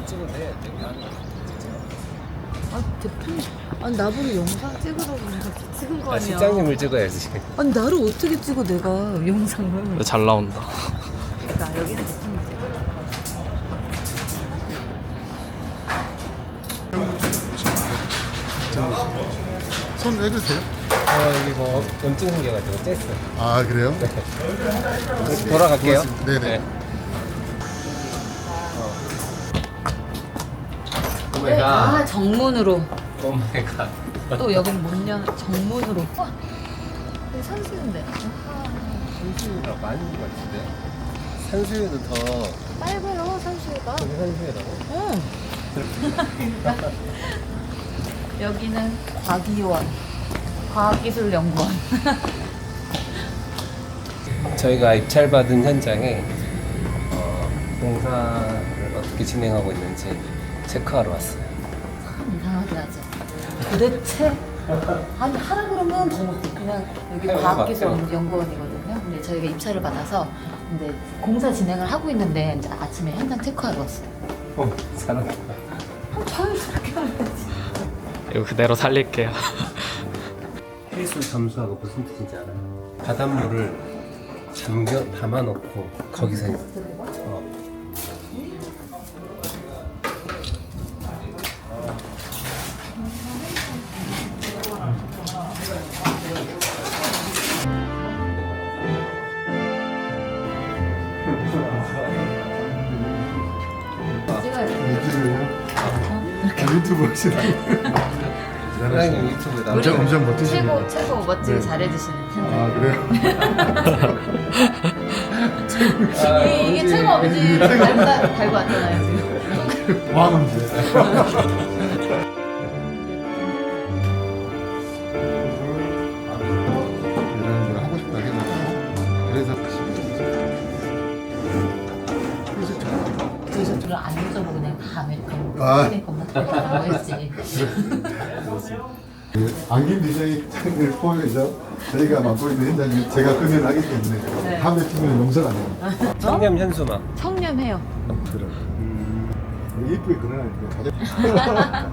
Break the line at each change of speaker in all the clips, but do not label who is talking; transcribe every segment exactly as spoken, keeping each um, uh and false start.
찍으면 돼. 되게 하는 거.
아 대표님, 아니 나보고 영상 찍으라고 이렇게 찍은 거
아,
아니야?
실장님을 찍어야지.
아니 나를 어떻게 찍어 내가 영상을?
잘 나온다.
그러니까 여기는 대표님 찍어.
손 내주세요.
어, 여기 뭐 염증 생겨가지고 쬐어.
아 그래요?
다시 돌아갈게요.
고맙습니다. 네네.
오메가.
아 정문으로.
오메가.
또 여기는 문 연, 정문으로. 와, 여기 산수인데.
산수유가 많은 것 같은데. 산수유는 더
빨개요 산수유가.
저기 산수유라고.
응. 여기는 과기원, 과학기술연구원.
저희가 입찰받은 현장에 어, 공사를 어떻게 진행하고 있는지 체크하러 왔어요.
참 이상하게 하죠. 도대체 아니 하라 그러면 더 못해. 그냥 여기
해볼 것
과학기술연구원이거든요. 근데 저희가 입찰을 받아서 근데 공사 진행을 하고 있는데 이제 아침에 현장 체크하러 왔어요.
어, 잘한다.
아, 자연스럽게 말해야지.
이거 그대로 살릴게요.
해수 잠수하고 무슨 뜻인지 알아요? 바닷물을 잠겨 담아놓고 거기서 어.
유튜브요? 유튜브 하시나요?
사장님 유튜브에 나오죠?
엄청 엄청 멋지시네요.
최고 최고 멋지게
네.
잘해주시는 현장.
아 그래요?
아,
이, 이게 최고 아버지 달고 다- 달고 왔잖아요 지금.
왕언제. 이런 걸 하고 싶다 해가지고 그래서
그래서 저를 안 여쭤보고 그냥 다 아메리카노
아.
아메리카노 먹으라고 했지.
그 안김 디자인을 포함해서 저희가 맡고 있는 현장이 제가 금연하기 때문에
네.
담배 피우면 용서가 안 됩니다.
청렴 현수막.
청렴해요.
그래. 이쁘게 그려놨는데 가져.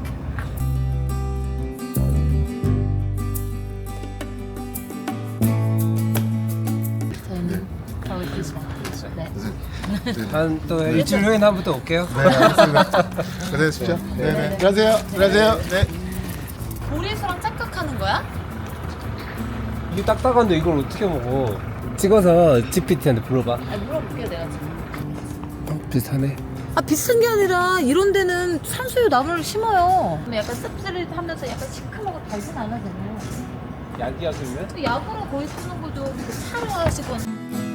저희는 가고 있습니다. 네.
한 또 일주일 후에 한번 또 올게요.
네, 알겠습니다. 고생하십시오. 네, 네. 안녕하세요. 안녕하세요. 네.
보리수랑 짝각하는 거야?
이게 딱딱한데 이걸 어떻게 먹어? 찍어서 지피티한테 불러봐.
아 물어볼게요 내가 지금.
어, 비슷하네.
아 비싼 게 아니라 이런 데는 산수유 나무를 심어요. 근데 약간 씁쓸하면서 약간 시큼하고 달진 않아잖아요.
약이야 그러면?
약으로 거의 쓰는 거죠. 그 차로 하시거나.